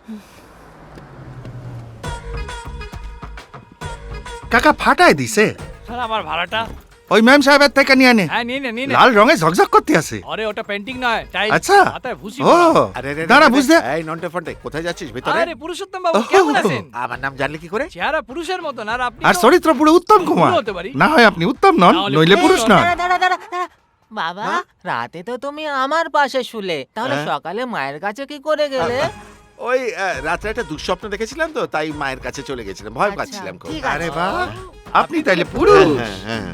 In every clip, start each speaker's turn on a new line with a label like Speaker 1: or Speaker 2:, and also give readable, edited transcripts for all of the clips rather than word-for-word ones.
Speaker 1: কাকা ফাটায় দিছে।
Speaker 2: স্যার আমার ভাড়াটা।
Speaker 1: ওই ম্যাম সাহেবের থেকে নিয়ে নে।
Speaker 2: হ্যাঁ নিয়ে নে।
Speaker 1: লাল রঙে ঝকঝক করতে আছে।
Speaker 2: আরে ওটা পেন্টিং নয়, টাইলস।
Speaker 1: আচ্ছা।
Speaker 2: মাথায় ভুসি
Speaker 1: ও
Speaker 2: পড়া।
Speaker 3: আরে
Speaker 1: দাঁড়া বুঝতে।
Speaker 3: এই নন্টে ফন্টে কোথায় যাচ্ছিস ভিতরে?
Speaker 2: আরে পুরুষোত্তম বাবু কেমন আছেন?
Speaker 3: আমার নাম জানলি কি করে?
Speaker 2: চেহারা পুরুষের মতন আর আপনি
Speaker 1: আর
Speaker 2: তো-
Speaker 1: চরিত্র পুরো উত্তম কুমার।
Speaker 2: পুরো হতে পারি।
Speaker 1: না হয় আপনি উত্তম নন,
Speaker 2: তাহলে
Speaker 1: নইলে পুরুষ নন।
Speaker 4: দাঁড়া। বাবা রাতে তো তুমি আমার পাশে শুলে, তাহলে
Speaker 3: হ্যাঁ?
Speaker 4: সকালে মায়ের কাছে কি করে গেলে?
Speaker 3: ওই রাত্রে একটা দুঃস্বপ্ন দেখেছিলাম তো, তাই মায়ের কাছে চলে গেছিলাম, ভয়
Speaker 4: আচ্ছা,
Speaker 3: পাচ্ছিলাম খুব।
Speaker 4: ঠিক আছে।
Speaker 1: আরে বাহ, আপনি তাইলে পুরুষ।
Speaker 3: হ্যাঁ।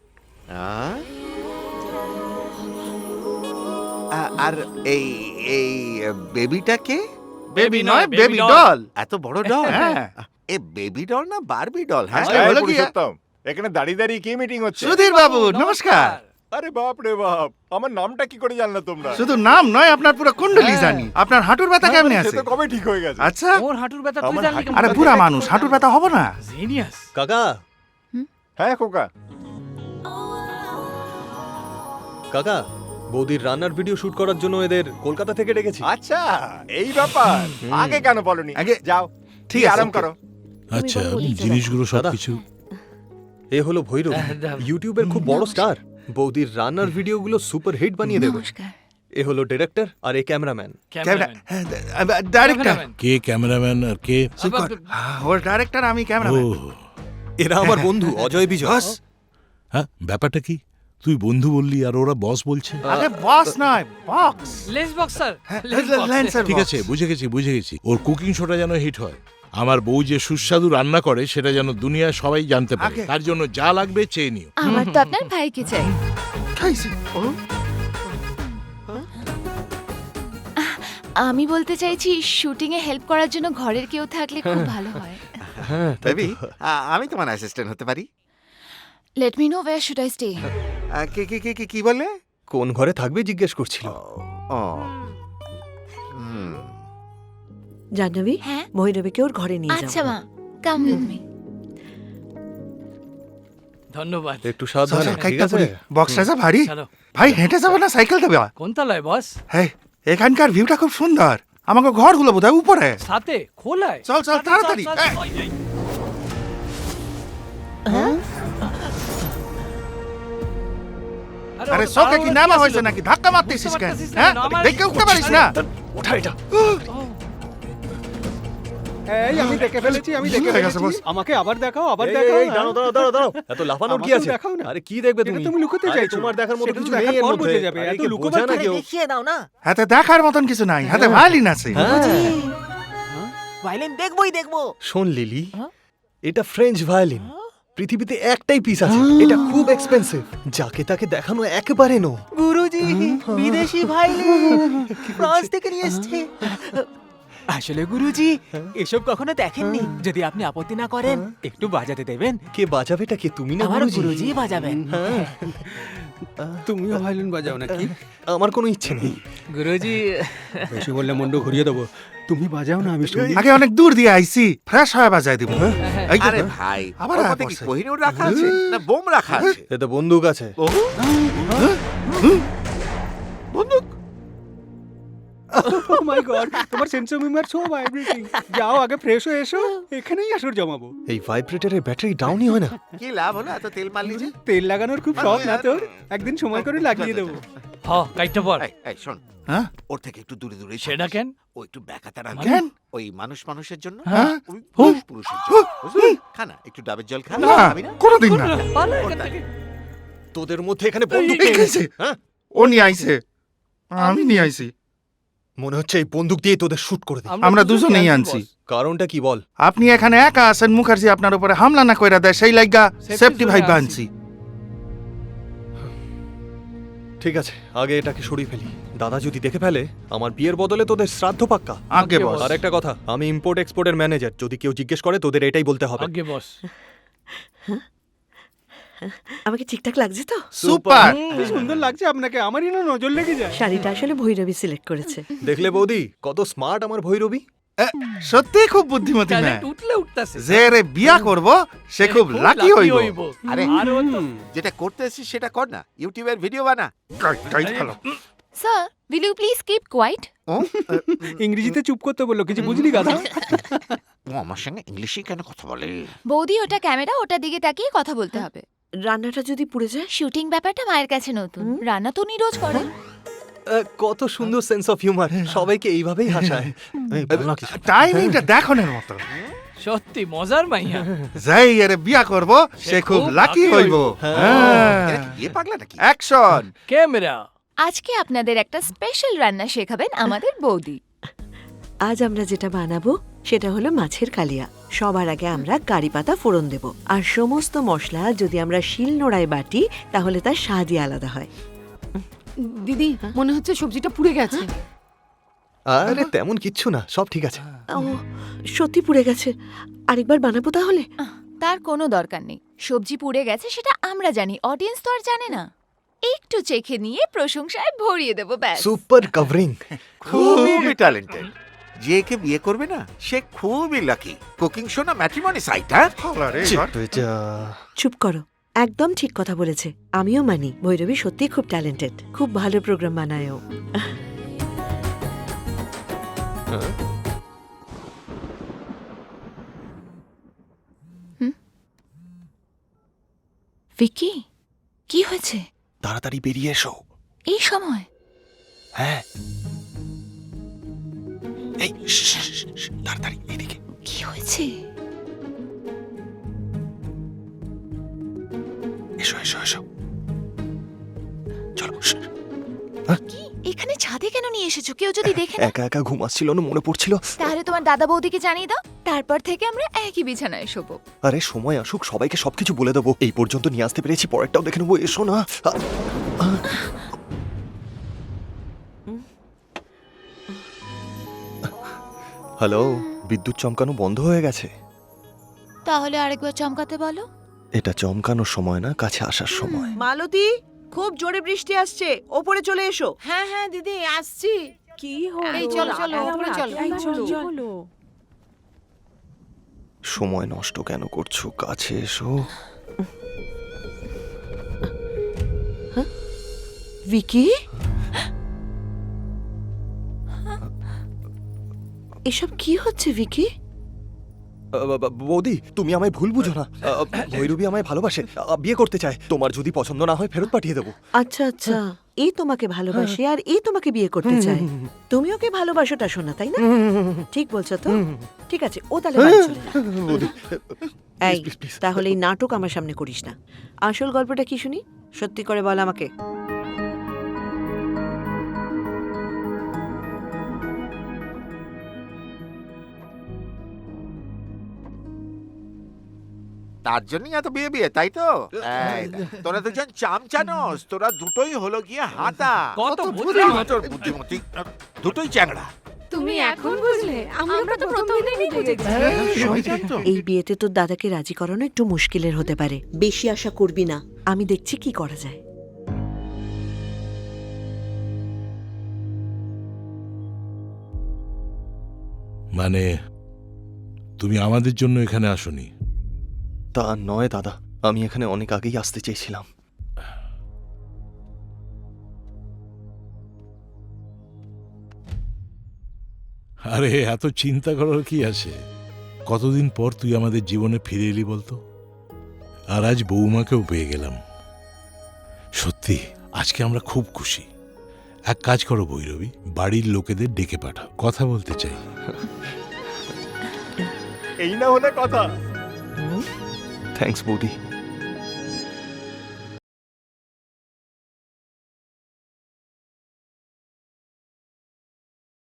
Speaker 3: আর এই এই বেবিটাকে?
Speaker 1: বেবি নয়,
Speaker 2: baby
Speaker 1: বেবি
Speaker 2: doll।
Speaker 1: ডল।
Speaker 3: এত বড় ডল?
Speaker 1: হ্যাঁ।
Speaker 3: এ বেবি ডল না বারবি ডল? হ্যাঁ
Speaker 1: আরে, হলো কি?
Speaker 5: পুরুষোত্তম, এখানে দাঁড়িয়ে দাঁড়িয়ে কি মিটিং হচ্ছে?
Speaker 1: সুধীর বাবু নমস্কার।
Speaker 5: আরে বাপ রে বাপ, আমার নামটা কি করে জানলে তোমরা?
Speaker 1: শুধু নাম নয়, আপনার পুরো কুণ্ডলী
Speaker 2: হ্যাঁ।
Speaker 1: জানি। আপনার হাঁটুর ব্যথা কেমনে
Speaker 5: সে
Speaker 1: আছে?
Speaker 5: তো কবে ঠিক হয়ে গেছে।
Speaker 1: আচ্ছা।
Speaker 2: ওর হাঁটুর ব্যথা তুই
Speaker 5: আমার
Speaker 2: জানলি কেমন?
Speaker 1: আরে বুড়া মানুষ, হাঁটুর ব্যথা হবে না?
Speaker 2: জিনিয়াস।
Speaker 6: কাকা
Speaker 5: হ্যাঁ খোকা,
Speaker 6: কাকা বৌদির রান্নার ভিডিও শুট করার জন্য এদের কলকাতা থেকে ডেকেছি।
Speaker 5: আচ্ছা এই ব্যাপার। আগে কেন বলনি?
Speaker 1: আগে-
Speaker 5: যাও,
Speaker 1: ঠিক
Speaker 5: ঠিক
Speaker 1: আছে।
Speaker 5: আরাম করো।
Speaker 7: আচ্ছা জিনিসগুলো সবকিছু
Speaker 6: এ হলো ভৈরব, ইউটিউবের খুব বড় স্টার। বৌদির রান্নার ভিডিওগুলো সুপার হিট বানিয়ে দেবে। এ হলো ডিরেক্টর আর এ ক্যামেরাম্যান।
Speaker 2: ক্যামেরাম্যান।
Speaker 1: ডাইরেক্টর।
Speaker 7: কে ক্যামেরাম্যান আর কে?
Speaker 1: ওর ডাইরেক্টর, আমি
Speaker 7: ও
Speaker 1: ক্যামেরাম্যান।
Speaker 6: এরা আমার বন্ধু অজয় বিজয়।
Speaker 1: বস।
Speaker 7: হ্যাঁ, ব্যাপারটা কি? তুই বন্ধু বললি আর ওরা বস বলছে।
Speaker 1: আরে বস নয়, বক্স।
Speaker 2: Lens box sir.
Speaker 1: লেন্সের
Speaker 7: ঠিক
Speaker 1: box।
Speaker 7: আছে, বুঝে গেছি। ওর কুকিং শোটা যেন হিট হয়। আমার বউ যে সুস্বাদু রান্না করে সেটা যেন দুনিয়ায় সবাই জানতে পারে।
Speaker 1: আগে-
Speaker 7: তার জন্য যা লাগবে চেয়ে নিও।
Speaker 8: আমার তো আপনার ভাইকে চাই।
Speaker 1: খাইছে।
Speaker 8: আমি বলতে চাইছি শুটিং এ হেল্প করার জন্য ঘরের কেউ থাকলে খুব ভালো হয়।
Speaker 3: বেবি আমি তোমার অ্যাসিস্ট্যান্ট হতে পারি।
Speaker 8: Let me know where should I stay.
Speaker 3: কি বলে?
Speaker 6: কোন ঘরে থাকবে জিজ্ঞেস করছিল।
Speaker 3: ও হুম।
Speaker 9: জাহ্নবী,
Speaker 8: হ্যাঁ
Speaker 9: ভৈরবীকে ওর ঘরে নিয়ে যাও।
Speaker 8: আচ্ছা মা, কাম উইথ মি।
Speaker 2: ধন্যবাদ।
Speaker 6: একটু
Speaker 1: চল,
Speaker 6: সাবধানে,
Speaker 1: চল,
Speaker 6: ঠিক
Speaker 1: কাইটটা
Speaker 6: আছে?
Speaker 1: পড়ি। বক্সটা যা ভারী।
Speaker 2: চলো।
Speaker 1: ভাই হেঁটে যাবে না সাইকেল দেবে?
Speaker 2: কোন তলায় বস?
Speaker 1: হ্যাঁ, এখানকার ভিউটা খুব সুন্দর। আমাকে ঘরগুলো বোধহয় উপরে।
Speaker 2: সাথে খোলায়।
Speaker 1: চল, চল, তাড়াতাড়ি। এই। আরে চোখে কি নামা হয়েছে নাকি? ধাক্কা মারতেছিস কেন? হ্যাঁ, দেখে উঠতে পারিস না?
Speaker 6: ওঠা এটা।
Speaker 10: এই আমি দেখে ফেলেছি, আমি দেখে
Speaker 1: ভুল হয়ে গেছে,
Speaker 10: ফেলেছি।
Speaker 1: boss।
Speaker 10: আমাকে আবার দেখাও, আবার
Speaker 6: এই,
Speaker 10: দেখাও।
Speaker 6: এই, দাঁড়াও। এত লাফানোর কি
Speaker 10: আমাকেও
Speaker 6: আছে?
Speaker 10: দেখাও না।
Speaker 6: আরে কি দেখবে
Speaker 10: এটা
Speaker 6: তুমি?
Speaker 10: তুমি লুকোতে
Speaker 6: আরে
Speaker 10: চাইছো।
Speaker 6: তোমার দেখার মতো
Speaker 10: সেটা তো
Speaker 6: কিছু
Speaker 10: দেখার
Speaker 6: নেই এর
Speaker 10: পর
Speaker 6: মধ্যে।
Speaker 10: বুঝে যাবে।
Speaker 6: আরে
Speaker 10: এত
Speaker 6: কি
Speaker 10: লুকোবার
Speaker 6: বোঝা না
Speaker 10: কি?
Speaker 6: কেউ?
Speaker 4: দেখিয়ে দাও না।
Speaker 1: হাতে দেখার মতন কিছু নাই, হাতে ভায়োলিন আছে।
Speaker 4: ভাইলিন দেখবো।
Speaker 6: শোন লিলি,
Speaker 4: হ্যাঁ?
Speaker 6: এটা ফ্রেঞ্চ ভায়োলিন। পৃথিবীতে একটাই পিস আছে, এটা খুব এক্সপেন্সিভ। যাকে তাকে দেখানো একেবারে নো।
Speaker 4: গুরুজি বিদেশি ভাইলিন ফ্রান্স থেকে নিয়ে এসেছে। আসলে গুরুজি এসব কখনো দেখেননি। যদি আপনি আপত্তি না করেন একটু বাজাতে দেবেন।
Speaker 6: কে বাজাবেটা কে, তুমি না
Speaker 4: আমার
Speaker 6: গুরুজি?
Speaker 4: গুরুজি বাজাবেন।
Speaker 10: তুমিও ভায়োলিন বাজাও নাকি?
Speaker 6: আমার কোনো ইচ্ছে নেই।
Speaker 2: গুরুজি
Speaker 10: বেশি বললে মন্ড ঘুরিয়ে দেবো। তুমি বাজাও না, আমি শুনি।
Speaker 1: আগে অনেক দূর দিয়ে আইছি, ফ্রেশ হয়ে বাজাই দিব। এই যে,
Speaker 3: আরে ভাই,
Speaker 1: আবার
Speaker 3: ওর
Speaker 1: আয়া
Speaker 3: মধ্যে কি
Speaker 1: পড়ছে।
Speaker 3: কোহিনূর রাখা আছে না বোম রাখা আছে?
Speaker 6: এতে বন্দুক আছে।
Speaker 10: ও মাই গড, তোমার sense of humour so vibrating. যাও আগে ফ্রেশ হয়ে এসো, এখানেই আসর জমাবো।
Speaker 6: এই ভাইব্রেটরের ব্যাটারি ডাউনই হয় না।
Speaker 3: কি লাভ হলো এত তেল মারলি যে?
Speaker 10: তেল লাগানোর খুব শখ না তোর? একদিন সময় করে লাগিয়ে দেবো।
Speaker 2: হ কাইটটা পর।
Speaker 3: এই শোন,
Speaker 1: হ্যাঁ?
Speaker 3: ওর থেকে একটু দূরে দূরে
Speaker 2: সেটা কেন?
Speaker 3: ও একটু ব্যাকাতা রাখ।
Speaker 1: কেন?
Speaker 3: ওই মানুষের জন্য,
Speaker 1: হ্যাঁ?
Speaker 3: ওই পুরুষের জন্য। বুঝলি? খানা একটু ডাবের জল খা।
Speaker 1: না,
Speaker 3: খাবি না?
Speaker 1: কোনোদিন না।
Speaker 2: পালা এখান থেকে।
Speaker 6: তোদের মধ্যে এখানে বন্দুক
Speaker 1: এই
Speaker 6: কে
Speaker 1: খাইছে।
Speaker 6: হ্যাঁ?
Speaker 1: ও নিয়ে আইছে, আমি নিয়ে আইছি।
Speaker 6: মনে হচ্ছে এই বন্দুক দিয়ে তোদের শুট করে দে।
Speaker 1: আমরা দুজনেই
Speaker 2: খেয়াল
Speaker 1: আনছি।
Speaker 2: বস।
Speaker 6: কারণটা কি বল?
Speaker 1: আপনি এখানে একা আছেন, মুখার্জি আপনার উপরে হামলা না কইরা দেয়, সেই লাইগা সেফটি ভাই
Speaker 2: জোনে
Speaker 1: বানছি।
Speaker 6: ঠিক আছে, আগে এটাকে সরিয়ে ফেলি। দাদা যদি দেখে ফেলে, আমার বিয়ের বদলে তোদের শ্রাদ্ধ পাক্কা।
Speaker 1: আগে বস।
Speaker 6: আর একটা কথা, আমি ইম্পোর্ট এক্সপোর্টের ম্যানেজার। যদি কেউ জিজ্ঞেস করে তোদের এটাই বলতে হবে।
Speaker 2: আগে বস।
Speaker 9: আমাকে ঠিকঠাক লাগছে তো?
Speaker 1: সুপার।
Speaker 10: কি সুন্দর লাগছে আপনাকে, আমারই না নজর লেগে যায়।
Speaker 9: শাড়িটা আসলে ভৈরবী সিলেক্ট করেছে।
Speaker 6: দেখলে বৌদি কত স্মার্ট আমার ভৈরবী।
Speaker 1: সত্যি খুব বুদ্ধিমতী মেয়ে।
Speaker 2: ট্যালেন্ট উঠলে উঠতাছে।
Speaker 1: যে রে বিয়া করব সে খুব লাকি হইব।
Speaker 3: আরে
Speaker 2: আর ও তো
Speaker 3: যেটা করতে এসেছিস সেটা কর না, ইউটিউবের ভিডিও বানা।
Speaker 1: টাইট ভালো।
Speaker 8: Sir will you please keep quiet?
Speaker 10: ইংরেজিতে চুপ করতে বললো, কিছু বুঝলি গাধা?
Speaker 3: ও আমার সঙ্গে ইংলিশে কেন কথা বলে?
Speaker 8: বৌদি ওটা ক্যামেরা, ওটার দিকে তাকিয়ে কথা বলতে হবে।
Speaker 9: রান্নাটা যদি পুড়ে যায়?
Speaker 8: শুটিং ব্যাপারটা মায়ের কাছে নতুন, রান্না তো উনি রোজ করেন।
Speaker 6: কত সুন্দর সেন্স অফ হিউমার, সবাইকে এইভাবেই হাসায়।
Speaker 1: টাইমিংটা দেখনের মতো।
Speaker 2: সত্যি মজার মাইয়া।
Speaker 1: যাই আরে বিয়া করব সে খুব লাকি হইব।
Speaker 3: এরা কি বিয়ে পাগলা নাকি?
Speaker 1: অ্যাকশন।
Speaker 2: ক্যামেরা।
Speaker 8: আজকে আপনাদের একটা স্পেশাল রান্না শেখাবেন আমাদের বৌদি।
Speaker 9: আজ আমরা যেটা বানাবো সেটা হলো মাছের কালিয়া। সবার আগে আমরা কারি পাতা ফোড়ন দেব, আর সমস্ত মশলা যদি আমরা শিল নোড়ায় বাটি তাহলে তার স্বাদই আলাদা হয়।
Speaker 11: দিদি মনে হচ্ছে সবজিটা পুড়ে গেছে।
Speaker 6: আরে তেমন কিচ্ছু না, সব ঠিক আছে।
Speaker 9: ও সত্যি পুড়ে গেছে, আরেকবার বানাবো তাহলে?
Speaker 8: তার কোনো দরকার নেই, সবজি পুড়ে গেছে সেটা আমরা জানি, অডিয়েন্স তো আর জানে না। একটু চেখে নিয়ে প্রশংসায় ভরিয়ে দেবো, ব্যাস।
Speaker 6: Super covering.
Speaker 3: খুবই ট্যালেন্টেড। যে কে বিয়ে করবে না সে খুবই লাকি। কুকিং শো না ম্যাট্রিমনি সাইট? হ্যাঁ,
Speaker 9: চুপ করো, একদম ঠিক কথা বলেছে। আমিও মানি ভৈরবী সত্যি খুব ট্যালেন্টেড, খুব ভালো প্রোগ্রাম বানায়ও।
Speaker 8: ভিকি, কি হয়েছে
Speaker 6: তাড়াতাড়ি বেরিয়ে এসো।
Speaker 8: এই সময়?
Speaker 6: হ্যাঁ, এই তাড়াতাড়ি এদিকে।
Speaker 8: কি হয়েছে?
Speaker 6: এসো এসো এসো, চলো।
Speaker 8: কি এখানে ছাদে কেন নিয়ে এসেছো? কেউ যদি দেখে না?
Speaker 6: একা একা ঘুমাচ্ছিল না, মনে পড়ছিল।
Speaker 8: তাহলে তোমার দাদা বৌদিকে জানিয়ে দাও, তারপর থেকে আমরা একই বিছানায় শোবো।
Speaker 6: আরে সময় আসুক, সবাইকে সবকিছু বলে দেবো। এই পর্যন্ত নিয়ে আসতে পেরেছি, পরেরটাও দেখে নেবো। এসো না। হ্যালো, বিদ্যুৎ চমকানো বন্ধ হয়ে গেছে।
Speaker 8: তাহলে আরেকবার চমকাতে বলো।
Speaker 6: এটা চমকানোর সময় না, কাছে আসার সময়।
Speaker 9: মালতী, খুব জোরে বৃষ্টি আসছে, ওপরে চলে এসো।
Speaker 11: হ্যাঁ হ্যাঁ দিদি আসছি।
Speaker 9: কি হলো?
Speaker 11: এই চলো চলো উপরে চলো।
Speaker 6: সময় নষ্ট কেন করছো? কাছে এসো।
Speaker 9: ভিকি, এসব কি হচ্ছে ভিকি?
Speaker 6: বৌদি, তুমি আমায় ভুল বুঝো না। ভৈরবী আমায় ভালোবাসে, বিয়ে করতে চায়। তোমার যদি পছন্দ না হয় ফেরত পাঠিয়ে দেবো।
Speaker 9: আচ্ছা আচ্ছা, এই তোমাকে ভালোবাসে আর এই তোমাকে বিয়ে করতে চায়। তুমি ওকে ভালোবাসোটা শোনা, তাই না? ঠিক বলছো তো? ঠিক আছে, ও তাহলে বাড়ি চলে যা। এই, তাহলে এই নাটক আমার সামনে করিস না। আসল গল্পটা কি শুনি, সত্যি করে বল আমাকে।
Speaker 3: তার জন্যই এত বিয়ে বিয়ে, তাই তো? এই দেখ, তোরা দুজন চামচানোস, তোরা দুটোই হলো গিয়ে হাতা।
Speaker 2: কত
Speaker 3: বুদ্ধিমতী, দুটোই চ্যাংড়া।
Speaker 11: তুমি এখন বুঝলে? আমরা তো প্রথম থেকেই বুঝেছি।
Speaker 9: এই বিয়েতে তোর দাদাকে রাজি করানো একটু মুশকিলের হতে পারে। বেশি আশা করবি না, আমি দেখছি কি করা যায়।
Speaker 7: মানে তুমি আমাদের জন্য এখানে আসোনি?
Speaker 6: তা নয় দাদা, আমি এখানে অনেক আগেই আসতে চেয়েছিলাম।
Speaker 7: আরে এত চিন্তা করার কি আছে? কতদিন পর তুই আমাদের জীবনে ফিরে এলি বলতো? আর আজ বৌমাকেও পেয়ে গেলাম। সত্যি আজকে আমরা খুব খুশি। এক কাজ করো ভৈরবী, বাড়ির লোকেদের ডেকে পাঠাও, কথা বলতে চাই।
Speaker 5: এই না হলে কথা।
Speaker 6: থ্যাঙ্কস বৌদি।